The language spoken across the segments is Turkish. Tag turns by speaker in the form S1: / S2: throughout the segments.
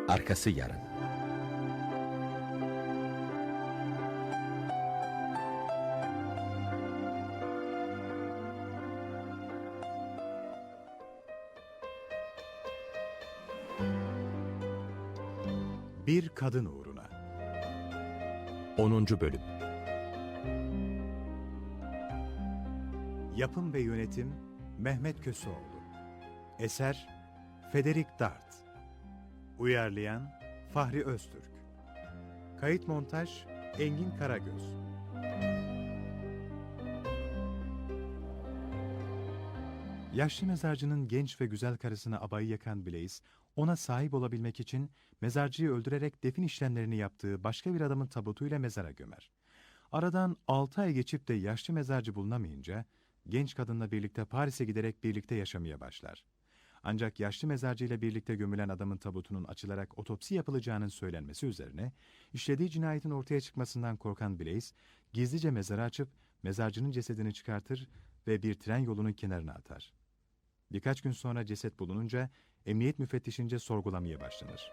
S1: Arkası yarın.
S2: Bir kadın uğruna.
S1: 10. Bölüm.
S2: Yapım ve yönetim Mehmet Köseoğlu. Eser Federik Dart. Uyarlayan Fahri Öztürk. Kayıt montaj Engin Karagöz. Yaşlı mezarcının genç ve güzel karısına abayı yakan Blaze, ona sahip olabilmek için mezarcıyı öldürerek defin işlemlerini yaptığı başka bir adamın tabutuyla mezara gömer. Aradan 6 ay geçip de yaşlı mezarcı bulunamayınca, genç kadınla birlikte Paris'e giderek birlikte yaşamaya başlar. Ancak yaşlı mezarcıyla birlikte gömülen adamın tabutunun açılarak otopsi yapılacağının söylenmesi üzerine, işlediği cinayetin ortaya çıkmasından korkan Blaze, gizlice mezarı açıp mezarcının cesedini çıkartır ve bir tren yolunun kenarına atar. Birkaç gün sonra ceset bulununca, emniyet müfettişince sorgulamaya başlanır.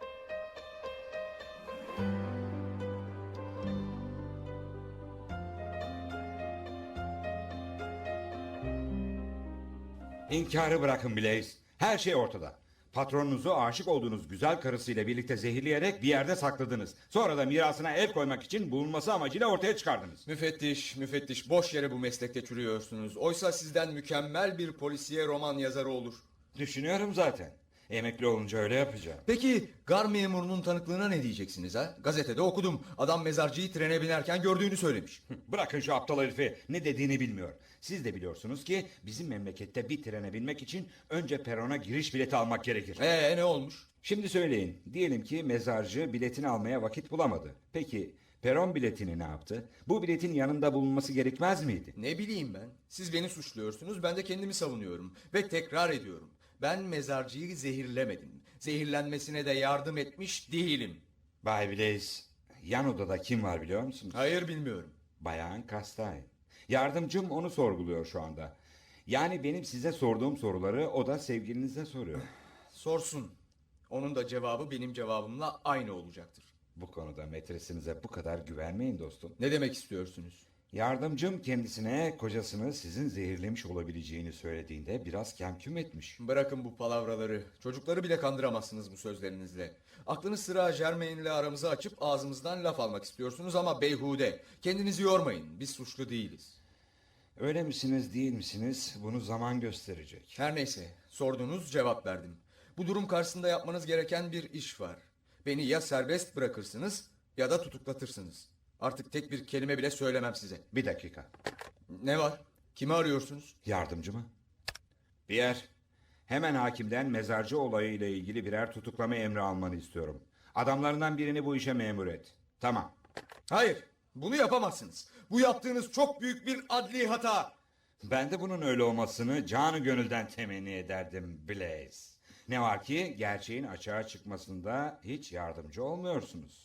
S3: İnkarı bırakın Blaze. Her şey ortada. Patronunuzu aşık olduğunuz güzel karısıyla birlikte zehirleyerek bir yerde sakladınız. Sonra da mirasına el koymak için bulunması amacıyla ortaya çıkardınız.
S4: Müfettiş boş yere bu meslekte çürüyorsunuz. Oysa sizden mükemmel bir polisiye roman yazarı olur.
S3: Düşünüyorum zaten. Emekli olunca öyle yapacağım.
S4: Peki gar memurunun tanıklığına ne diyeceksiniz ha? Gazetede okudum. Adam mezarcıyı trene binerken gördüğünü söylemiş.
S3: Bırakın şu aptal herifi. Ne dediğini bilmiyor. Siz de biliyorsunuz ki bizim memlekette bir trene binmek için önce perona giriş bileti almak gerekir.
S4: Ne olmuş?
S3: Şimdi söyleyin. Diyelim ki mezarcı biletini almaya vakit bulamadı. Peki peron biletini ne yaptı? Bu biletin yanında bulunması gerekmez miydi?
S4: Ne bileyim ben. Siz beni suçluyorsunuz, ben de kendimi savunuyorum. Ve tekrar ediyorum. Ben mezarcıyı zehirlemedim. Zehirlenmesine de yardım etmiş değilim.
S3: Bay Blaze, yan odada kim var biliyor musunuz?
S4: Hayır, bilmiyorum.
S3: Bayan Castaigne. Yardımcım onu sorguluyor şu anda. Yani benim size sorduğum soruları o da sevgilinize soruyor.
S4: Sorsun. Onun da cevabı benim cevabımla aynı olacaktır.
S3: Bu konuda metresinize bu kadar güvenmeyin dostum.
S4: Ne demek istiyorsunuz?
S3: Yardımcım kendisine kocasını sizin zehirlemiş olabileceğini söylediğinde biraz kemküm etmiş.
S4: Bırakın bu palavraları. Çocukları bile kandıramazsınız bu sözlerinizle. Aklınız sıra Germain'le aramızı açıp ağzımızdan laf almak istiyorsunuz ama beyhude. Kendinizi yormayın. Biz suçlu değiliz.
S3: Öyle misiniz değil misiniz bunu zaman gösterecek.
S4: Her neyse, sordunuz, cevap verdim. Bu durum karşısında yapmanız gereken bir iş var. Beni ya serbest bırakırsınız ya da tutuklatırsınız. Artık tek bir kelime bile söylemem size.
S3: Bir dakika.
S4: Ne var? Kimi arıyorsunuz?
S3: Yardımcı mı? Pierre, hemen hakimden mezarcı olayı ile ilgili birer tutuklama emri almanı istiyorum. Adamlarından birini bu işe memur et. Tamam.
S4: Hayır, bunu yapamazsınız. Bu yaptığınız çok büyük bir adli hata.
S3: Ben de bunun öyle olmasını canı gönülden temenni ederdim Blaze. Ne var ki gerçeğin açığa çıkmasında hiç yardımcı olmuyorsunuz.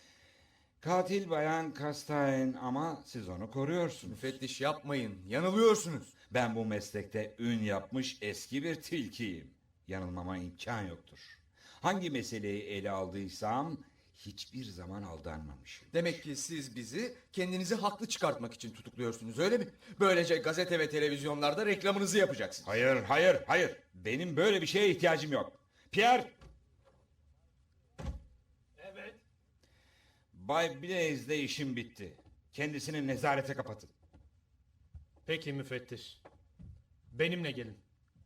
S3: Katil bayan Castaigne ama siz onu koruyorsunuz.
S4: Müfettiş yapmayın, yanılıyorsunuz.
S3: Ben bu meslekte ün yapmış eski bir tilkiyim. Yanılmama imkan yoktur. Hangi meseleyi ele aldıysam hiçbir zaman aldanmamışım.
S4: Demek ki siz bizi kendinizi haklı çıkartmak için tutukluyorsunuz, öyle mi? Böylece gazete ve televizyonlarda reklamınızı yapacaksınız.
S3: Hayır. Benim böyle bir şeye ihtiyacım yok. Pierre!
S5: Evet.
S3: Bay Blaze'de işim bitti. Kendisini nezarete kapatın.
S5: Peki müfettiş. Benimle gelin.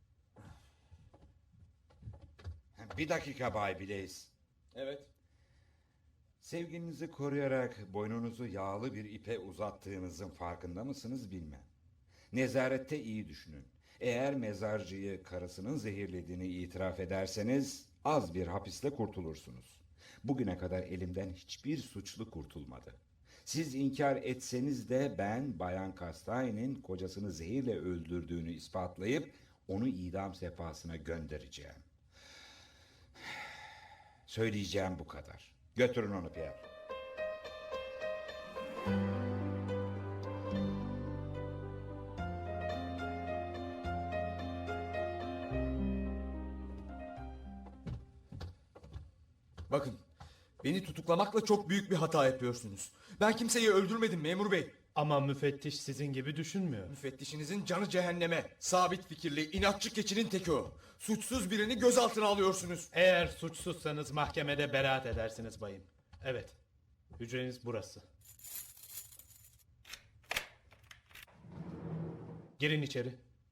S3: Bir dakika Bay Blaze.
S4: Evet.
S3: Sevginizi koruyarak boynunuzu yağlı bir ipe uzattığınızın farkında mısınız bilmem. Nezarette iyi düşünün. Eğer mezarcıyı karısının zehirlediğini itiraf ederseniz az bir hapisle kurtulursunuz. Bugüne kadar elimden hiçbir suçlu kurtulmadı. Siz inkar etseniz de ben Bayan Castaigne'in kocasını zehirle öldürdüğünü ispatlayıp onu idam sehpasına göndereceğim. Söyleyeceğim bu kadar. Götürün onu Pierre.
S4: Bakın, beni tutuklamakla çok büyük bir hata yapıyorsunuz. Ben kimseyi öldürmedim memur bey.
S5: Ama müfettiş sizin gibi düşünmüyor.
S4: Müfettişinizin canı cehenneme. Sabit fikirli, inatçı keçinin teki o. Suçsuz birini gözaltına alıyorsunuz.
S5: Eğer suçsuzsanız mahkemede beraat edersiniz bayım. Evet, hücreniz burası. Girin içeri.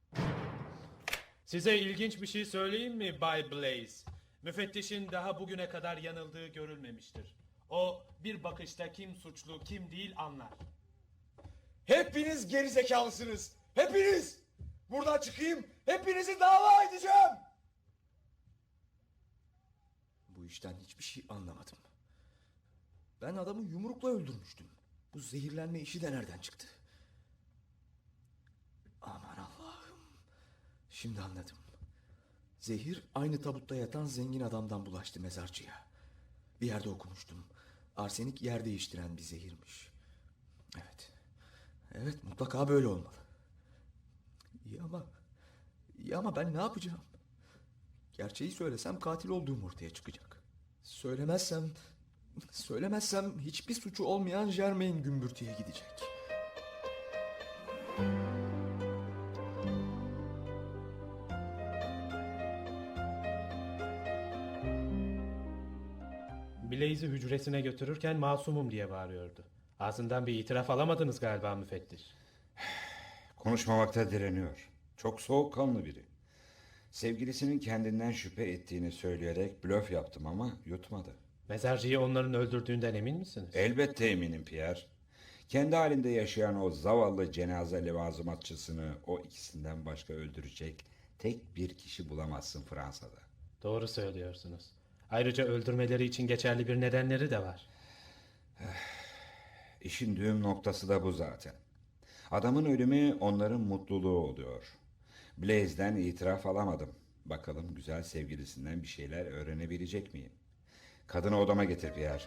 S5: Size ilginç bir şey söyleyeyim mi Bay Blaze? Müfettişin daha bugüne kadar yanıldığı görülmemiştir. O bir bakışta kim suçlu kim değil anlar.
S4: Hepiniz gerizekalısınız. Hepiniz. Buradan çıkayım. Hepinizi dava edeceğim. Bu işten hiçbir şey anlamadım. Ben adamı yumrukla öldürmüştüm. Bu zehirlenme işi de nereden çıktı? Aman Allah'ım. Şimdi anladım. Zehir aynı tabutta yatan zengin adamdan bulaştı mezarcıya. Bir yerde okumuştum. Arsenik yer değiştiren bir zehirmiş. Evet. Evet, mutlaka böyle olmalı. İyi ama ben ne yapacağım? Gerçeği söylesem katil olduğum ortaya çıkacak. Söylemezsem hiçbir suçu olmayan Germain gümbürtüye gidecek.
S5: Blaze'i hücresine götürürken masumum diye bağırıyordu. Ağzından bir itiraf alamadınız galiba müfettiş.
S3: Konuşmamakta direniyor. Çok soğukkanlı biri. Sevgilisinin kendinden şüphe ettiğini söyleyerek blöf yaptım ama yutmadı.
S5: Mezarcıyı onların öldürdüğünden emin misiniz?
S3: Elbette eminim Pierre. Kendi halinde yaşayan o zavallı cenaze levazımatçısını o ikisinden başka öldürecek tek bir kişi bulamazsın Fransa'da.
S5: Doğru söylüyorsunuz. Ayrıca öldürmeleri için geçerli bir nedenleri de var.
S3: İşin düğüm noktası da bu zaten. Adamın ölümü onların mutluluğu oluyor. Blaze'den itiraf alamadım. Bakalım güzel sevgilisinden bir şeyler öğrenebilecek miyim? Kadını odama getir Pierre.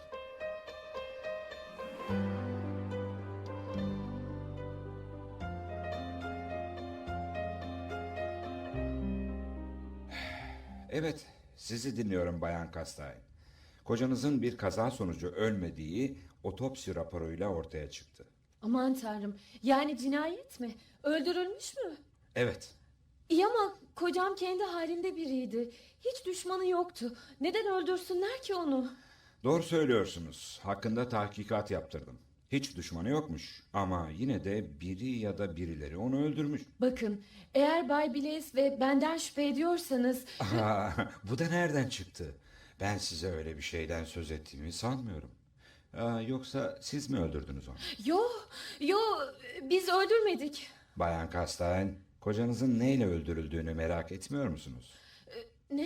S3: Evet, sizi dinliyorum Bayan Castaigne. Kocanızın bir kaza sonucu ölmediği otopsi raporuyla ortaya çıktı.
S1: Aman tanrım, yani cinayet mi? Öldürülmüş mü?
S3: Evet,
S1: İyi ama kocam kendi halinde biriydi. Hiç düşmanı yoktu. Neden öldürsünler ki onu?
S3: doğru söylüyorsunuz. Hakkında tahkikat yaptırdım. Hiç düşmanı yokmuş ama yine de biri ya da birileri onu öldürmüş.
S1: Bakın, eğer Bay Blaze ve benden şüphe ediyorsanız...
S3: Bu da nereden çıktı? Ben size öyle bir şeyden söz ettiğimi sanmıyorum. Yoksa siz mi öldürdünüz onu?
S1: Yo, biz öldürmedik.
S3: Bayan Castaigne, kocanızın neyle öldürüldüğünü merak etmiyor musunuz?
S1: Ne?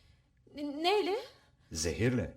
S1: Neyle?
S3: Zehirle.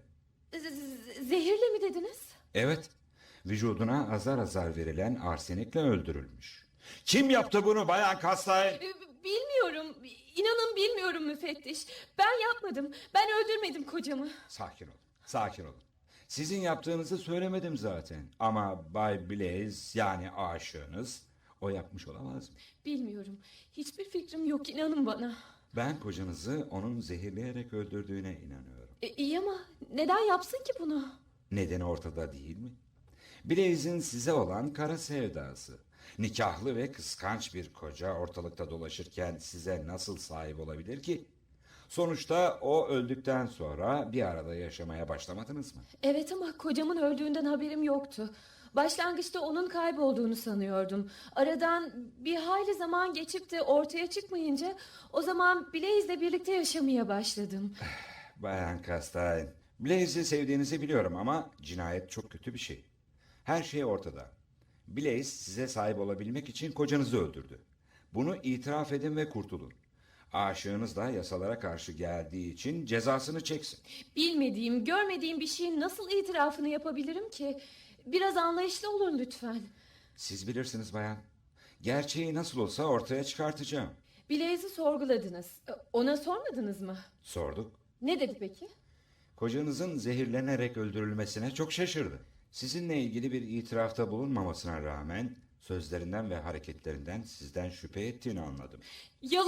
S1: Zehirle mi dediniz?
S3: Evet, vücuduna azar azar verilen arsenikle öldürülmüş. Kim yaptı bunu Bayan Castaigne?
S1: Bilmiyorum. İnanın bilmiyorum müfettiş. Ben yapmadım. Ben öldürmedim kocamı.
S3: Sakin olun, sakin olun. Sizin yaptığınızı söylemedim zaten. Ama Bay Blaze yani aşığınız o yapmış olamaz mı?
S1: Bilmiyorum. Hiçbir fikrim yok, inanın bana.
S3: Ben kocanızı onun zehirleyerek öldürdüğüne inanıyorum.
S1: İyi ama neden yapsın ki bunu?
S3: Nedeni ortada değil mi? Blaze'in size olan kara sevdası. Nikahlı ve kıskanç bir koca ortalıkta dolaşırken size nasıl sahip olabilir ki? Sonuçta o öldükten sonra bir arada yaşamaya başlamadınız mı?
S1: Evet ama kocamın öldüğünden haberim yoktu. Başlangıçta onun kaybolduğunu sanıyordum. Aradan bir hayli zaman geçip de ortaya çıkmayınca o zaman Blaze'le birlikte yaşamaya başladım.
S3: Bayan Castaigne, Blaze'i sevdiğinizi biliyorum ama cinayet çok kötü bir şey. Her şey ortada. Blaze size sahip olabilmek için kocanızı öldürdü. Bunu itiraf edin ve kurtulun. Aşığınız da yasalara karşı geldiği için cezasını çeksin.
S1: Bilmediğim, görmediğim bir şeyin nasıl itirafını yapabilirim ki? Biraz anlayışlı olun lütfen.
S3: Siz bilirsiniz bayan. Gerçeği nasıl olsa ortaya çıkartacağım.
S1: Blaze'i sorguladınız. Ona sormadınız mı?
S3: Sorduk.
S1: Ne dedi peki?
S3: Kocanızın zehirlenerek öldürülmesine çok şaşırdı. Sizinle ilgili bir itirafta bulunmamasına rağmen sözlerinden ve hareketlerinden sizden şüphe ettiğini anladım.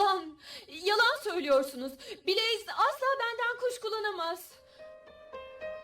S1: Yalan söylüyorsunuz. Blaze asla benden kuşkulanamaz.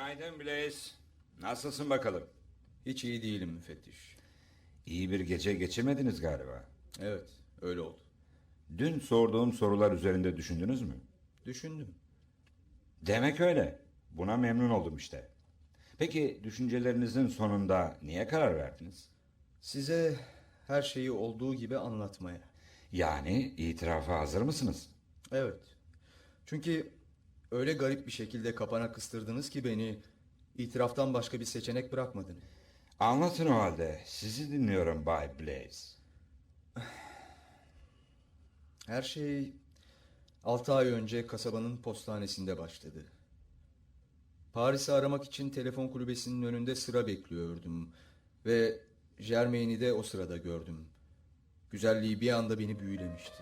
S3: Günaydın Blaze. Nasılsın bakalım?
S4: Hiç iyi değilim müfettiş.
S3: İyi bir gece geçirmediniz galiba.
S4: Evet, öyle oldu.
S3: Dün sorduğum sorular üzerinde düşündünüz mü?
S4: Düşündüm.
S3: Demek öyle. Buna memnun oldum işte. Peki düşüncelerinizin sonunda niye karar verdiniz?
S4: Size her şeyi olduğu gibi anlatmaya.
S3: Yani itirafa hazır mısınız?
S4: Evet. Çünkü öyle garip bir şekilde kapana kıstırdınız ki beni, itiraftan başka bir seçenek bırakmadınız.
S3: Anlatın o halde. Sizi dinliyorum Bay Blaze.
S4: Her şey 6 ay önce kasabanın postanesinde başladı. Paris'i aramak için telefon kulübesinin önünde sıra bekliyordum. Ve Germain'i de o sırada gördüm. Güzelliği bir anda beni büyülemişti.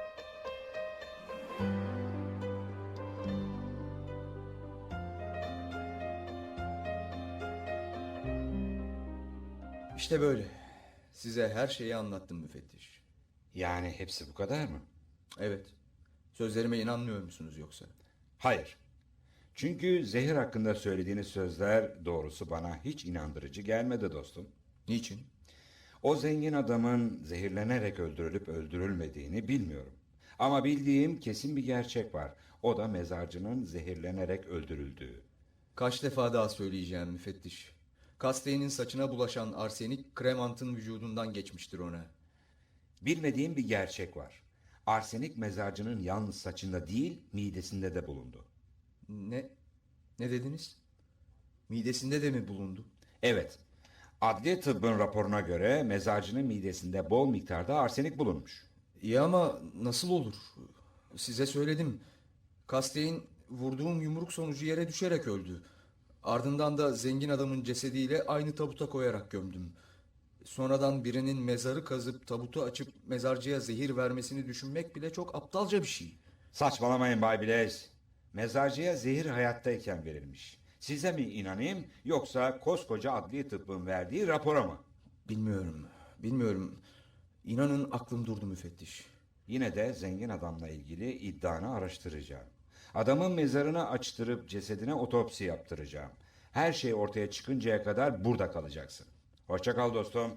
S4: İşte böyle. Size her şeyi anlattım müfettiş.
S3: Yani hepsi bu kadar mı?
S4: Evet. Sözlerime inanmıyor musunuz yoksa?
S3: Hayır. Çünkü zehir hakkında söylediğiniz sözler doğrusu bana hiç inandırıcı gelmedi dostum.
S4: Niçin?
S3: O zengin adamın zehirlenerek öldürülüp öldürülmediğini bilmiyorum. Ama bildiğim kesin bir gerçek var. O da mezarcının zehirlenerek öldürüldüğü.
S4: Kaç defa daha söyleyeceğim müfettiş. Castelli'nin saçına bulaşan arsenik Cremant'ın vücudundan geçmiştir ona.
S3: Bilmediğim bir gerçek var. Arsenik mezarcının yalnız saçında değil, midesinde de bulundu.
S4: Ne? Ne dediniz? Midesinde de mi bulundu?
S3: Evet. Adli tıbbın raporuna göre mezarcının midesinde bol miktarda arsenik bulunmuş.
S4: İyi ama nasıl olur? Size söyledim. Castelli vurduğum yumruk sonucu yere düşerek öldü. Ardından da zengin adamın cesediyle aynı tabuta koyarak gömdüm. Sonradan birinin mezarı kazıp tabutu açıp mezarcıya zehir vermesini düşünmek bile çok aptalca bir şey.
S3: Saçmalamayın Bay Blaze. Mezarcıya zehir hayattayken verilmiş. Size mi inanayım yoksa koskoca adli tıbbın verdiği rapora mı?
S4: Bilmiyorum. İnanın aklım durdu müfettiş.
S3: Yine de zengin adamla ilgili iddianı araştıracağım. Adamın mezarını açtırıp cesedine otopsi yaptıracağım. Her şey ortaya çıkıncaya kadar burada kalacaksın. Hoşça kal dostum.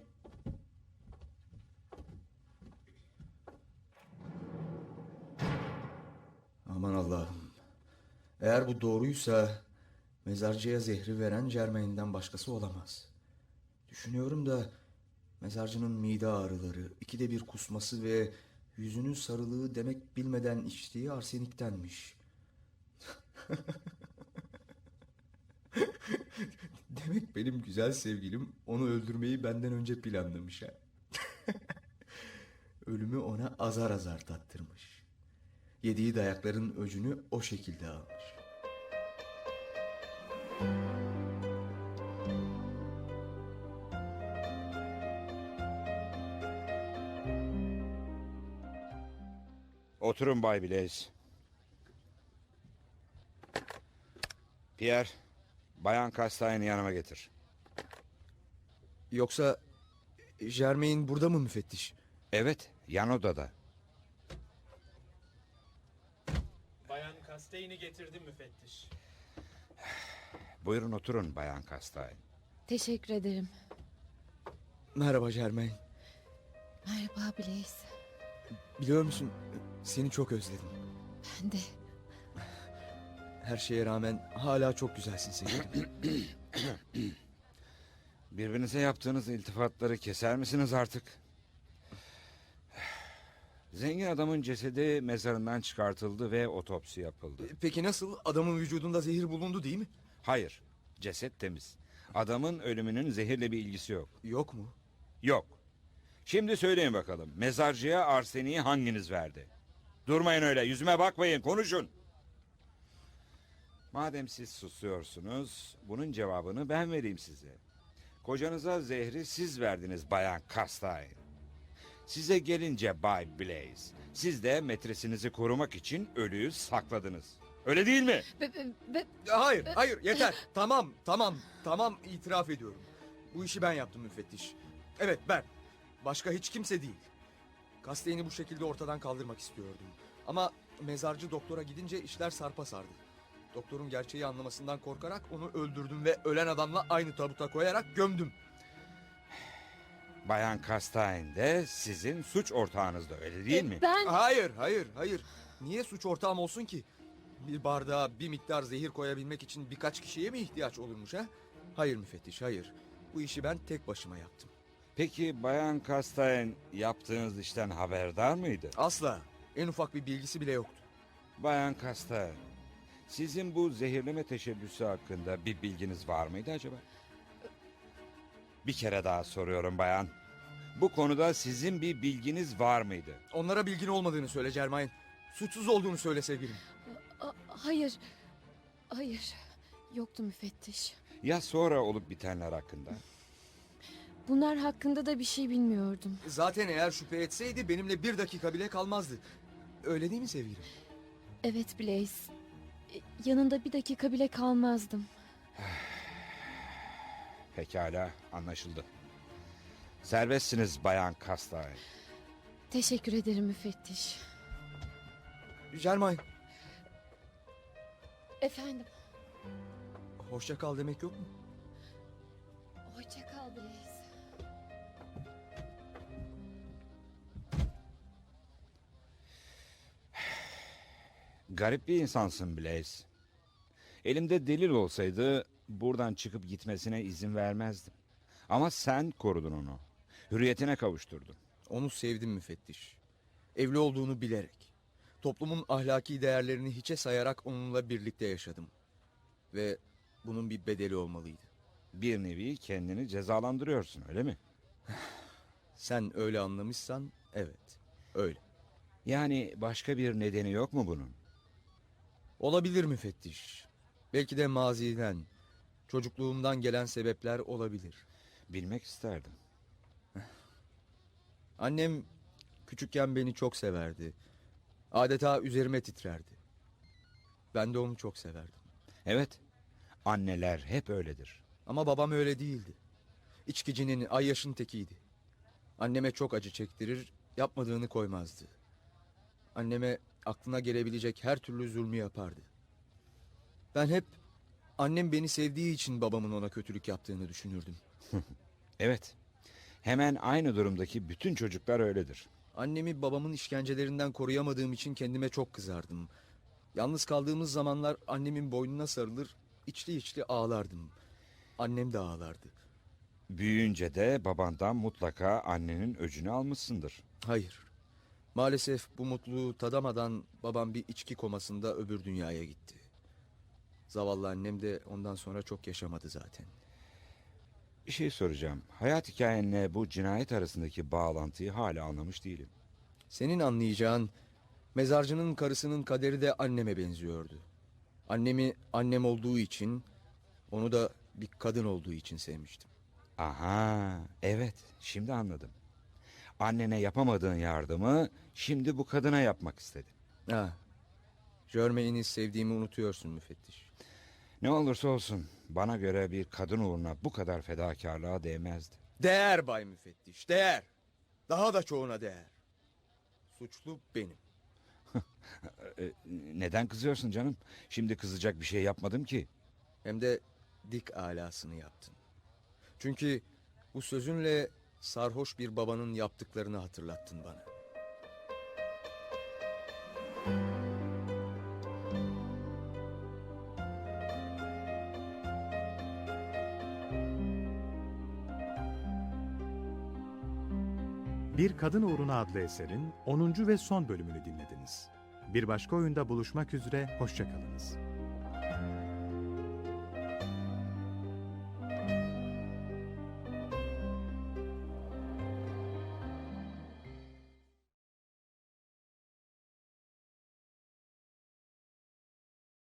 S4: Aman Allah'ım. Eğer bu doğruysa mezarcıya zehri veren Germain'den başkası olamaz. Düşünüyorum da mezarcının mide ağrıları, ikide bir kusması ve yüzünün sarılığı demek bilmeden içtiği arseniktenmiş. Demek benim güzel sevgilim onu öldürmeyi benden önce planlamış ha. Ölümü ona azar azar tattırmış. Yediği dayakların öcünü o şekilde almış.
S3: Oturun Bay Blaze. Pierre, Bayan Castaigne'i yanıma getir.
S4: Yoksa Germain burada mı müfettiş?
S3: Evet, yan odada.
S5: Bayan Castelli'ni getirdim müfettiş.
S3: Buyurun oturun Bayan Castaigne.
S1: Teşekkür ederim.
S4: Merhaba Germain.
S1: Merhaba Blaze.
S4: Biliyor musun seni çok özledim.
S1: Ben de.
S4: Her şeye rağmen hala çok güzelsin sevgilim.
S3: Birbirinize yaptığınız iltifatları keser misiniz artık? Zengin adamın cesedi mezarından çıkartıldı ve otopsi yapıldı.
S4: Peki nasıl? Adamın vücudunda zehir bulundu değil mi?
S3: Hayır, ceset temiz. Adamın ölümünün zehirle bir ilgisi yok.
S4: Yok mu?
S3: Yok. Şimdi söyleyin bakalım, mezarcıya arseniği hanginiz verdi? Durmayın öyle, yüzüme bakmayın, konuşun. Madem siz susuyorsunuz, bunun cevabını ben vereyim size. Kocanıza zehri siz verdiniz Bayan Castaign. Size gelince Bay Blaze, siz de metresinizi korumak için ölüyü sakladınız. Öyle değil mi?
S4: Hayır yeter. Tamam itiraf ediyorum. Bu işi ben yaptım müfettiş. Evet ben. Başka hiç kimse değil. Castelli'ni bu şekilde ortadan kaldırmak istiyordum. Ama mezarcı doktora gidince işler sarpa sardı. Doktorun gerçeği anlamasından korkarak onu öldürdüm ve ölen adamla aynı tabuta koyarak gömdüm.
S3: Bayan Castaigne de sizin suç ortağınız da öyle değil mi?
S1: Ben...
S4: Hayır. Niye suç ortağım olsun ki? Bir bardağa bir miktar zehir koyabilmek için birkaç kişiye mi ihtiyaç olurmuş ha? Hayır müfettiş, hayır. Bu işi ben tek başıma yaptım.
S3: Peki Bayan Castaigne yaptığınız işten haberdar mıydı?
S4: Asla. En ufak bir bilgisi bile yoktu.
S3: Bayan Castaigne, sizin bu zehirleme teşebbüsü hakkında bir bilginiz var mıydı acaba? Bir kere daha soruyorum bayan. Bu konuda sizin bir bilginiz var mıydı?
S4: Onlara bilgin olmadığını söyle Germain. Suçsuz olduğunu söyle sevgilim.
S1: Hayır. Hayır. Yoktu müfettiş.
S3: Ya sonra olup bitenler hakkında?
S1: Bunlar hakkında da bir şey bilmiyordum.
S4: Zaten eğer şüphe etseydi benimle bir dakika bile kalmazdı. Öyle değil mi sevgilim?
S1: Evet Blaze. Yanında bir dakika bile kalmazdım.
S3: Pekala, anlaşıldı. Serbestsiniz Bayan Castaigne.
S1: Teşekkür ederim müfettiş.
S4: Germain,
S1: Efendim.
S4: hoşça kal demek yok mu?
S1: Hoşça kal Blaze.
S3: Garip bir insansın Blaze. Elimde delil olsaydı buradan çıkıp gitmesine izin vermezdim. Ama sen korudun onu. Hürriyetine kavuşturdun.
S4: Onu sevdim müfettiş. Evli olduğunu bilerek. Toplumun ahlaki değerlerini hiçe sayarak onunla birlikte yaşadım. Ve bunun bir bedeli olmalıydı.
S3: Bir nevi kendini cezalandırıyorsun, öyle mi?
S4: Sen öyle anlamışsan evet, öyle.
S3: Yani başka bir nedeni yok mu bunun?
S4: Olabilir müfettiş. Belki de maziden, çocukluğumdan gelen sebepler olabilir.
S3: Bilmek isterdim.
S4: Annem küçükken beni çok severdi. Adeta üzerime titrerdi. Ben de onu çok severdim.
S3: Evet, anneler hep öyledir.
S4: Ama babam öyle değildi. İçkicinin, ayyaşın tekiydi. Anneme çok acı çektirir, yapmadığını koymazdı. Anneme aklına gelebilecek her türlü zulmü yapardı. Ben hep annem beni sevdiği için babamın ona kötülük yaptığını düşünürdüm.
S3: Evet, hemen aynı durumdaki bütün çocuklar öyledir.
S4: Annemi babamın işkencelerinden koruyamadığım için kendime çok kızardım. Yalnız kaldığımız zamanlar annemin boynuna sarılır, içli içli ağlardım. Annem de ağlardı.
S3: Büyüyünce de babandan mutlaka annenin öcünü almışsındır.
S4: Hayır. Maalesef bu mutluluğu tadamadan babam bir içki komasında öbür dünyaya gitti. Zavallı annem de ondan sonra çok yaşamadı zaten.
S3: Bir şey soracağım. Hayat hikayenle bu cinayet arasındaki bağlantıyı hala anlamış değilim.
S4: Senin anlayacağın, mezarcının karısının kaderi de anneme benziyordu. Annemi annem olduğu için, onu da bir kadın olduğu için sevmiştim.
S3: Aha, evet, şimdi anladım. Annene yapamadığın yardımı şimdi bu kadına yapmak istedin.
S4: Ha, Germain'i sevdiğimi unutuyorsun müfettiş.
S3: Ne olursa olsun bana göre bir kadın uğruna bu kadar fedakarlığa değmezdi.
S4: Değer Bay Müfettiş, değer. Daha da çoğuna değer. Suçlu benim.
S3: Neden kızıyorsun canım? Şimdi kızacak bir şey yapmadım ki.
S4: Hem de dik alasını yaptın. Çünkü bu sözünle sarhoş bir babanın yaptıklarını hatırlattın bana.
S2: Bir Kadın Uğruna adlı eserin 10. ve son bölümünü dinlediniz. Bir başka oyunda buluşmak üzere, hoşça kalınız.